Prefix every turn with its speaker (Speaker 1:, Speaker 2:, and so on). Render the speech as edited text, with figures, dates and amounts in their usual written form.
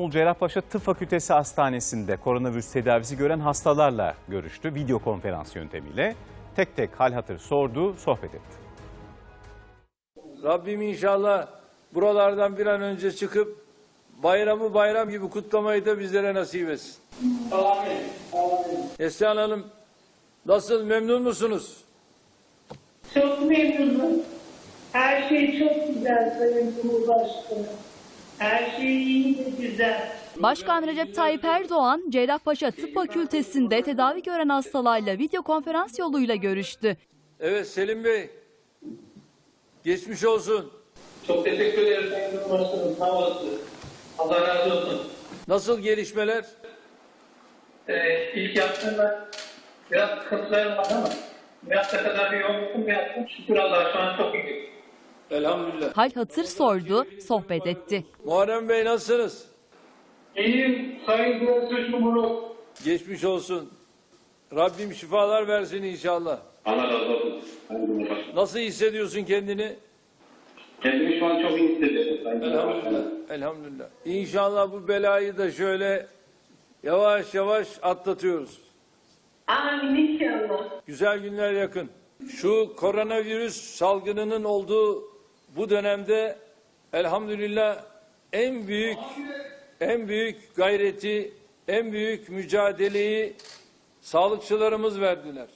Speaker 1: İstanbul Cerrahpaşa Tıp Fakültesi Hastanesi'nde koronavirüs tedavisi gören hastalarla görüştü. Video konferans yöntemiyle tek tek hal hatır sordu, sohbet etti.
Speaker 2: Rabbim inşallah buralardan bir an önce çıkıp bayramı bayram gibi kutlamayı da bizlere nasip etsin.
Speaker 3: Amin. Amin.
Speaker 2: Neslihan Hanım, nasıl, memnun musunuz?
Speaker 3: Çok memnunum. Her şey çok güzel Sayın Cumhurbaşkanı. Her şey iyi ve güzel.
Speaker 4: Başkan Recep Tayyip Erdoğan, Cerrahpaşa Tıp Fakültesi'nde tedavi gören hastalarla video konferans yoluyla görüştü.
Speaker 2: Evet Selim Bey, geçmiş olsun.
Speaker 3: Çok teşekkür ederim Sayın Cumhurbaşkanım. Sağ olasın. Allah razı olsun.
Speaker 2: Nasıl gelişmeler?
Speaker 3: İlk yaptığımda biraz sıkıntılarım var ama bir hafta kadar bir yoğunlukum yaptım. Şükür Allah'a şu an çok iyi.
Speaker 2: Elhamdülillah.
Speaker 4: Hal hatır sordu, sohbet etti.
Speaker 2: Muharrem Bey, nasılsınız?
Speaker 3: İyiyim Sayın Cumhurbaşkanım.
Speaker 2: Geçmiş olsun. Rabbim şifalar versin inşallah.
Speaker 5: Allah razı olsun. Sayın Cumhurbaşkanım.
Speaker 2: Nasıl hissediyorsun kendini?
Speaker 5: Kendimi şu an çok iyi hissediyorum Sayın
Speaker 2: Elhamdülillah.
Speaker 5: Cumhurbaşkanım.
Speaker 2: Elhamdülillah. İnşallah bu belayı da şöyle yavaş yavaş atlatıyoruz.
Speaker 3: Amin inşallah.
Speaker 2: Güzel günler yakın. Şu koronavirüs salgınının olduğu bu dönemde elhamdülillah en büyük gayreti, en büyük mücadeleyi sağlıkçılarımız verdiler.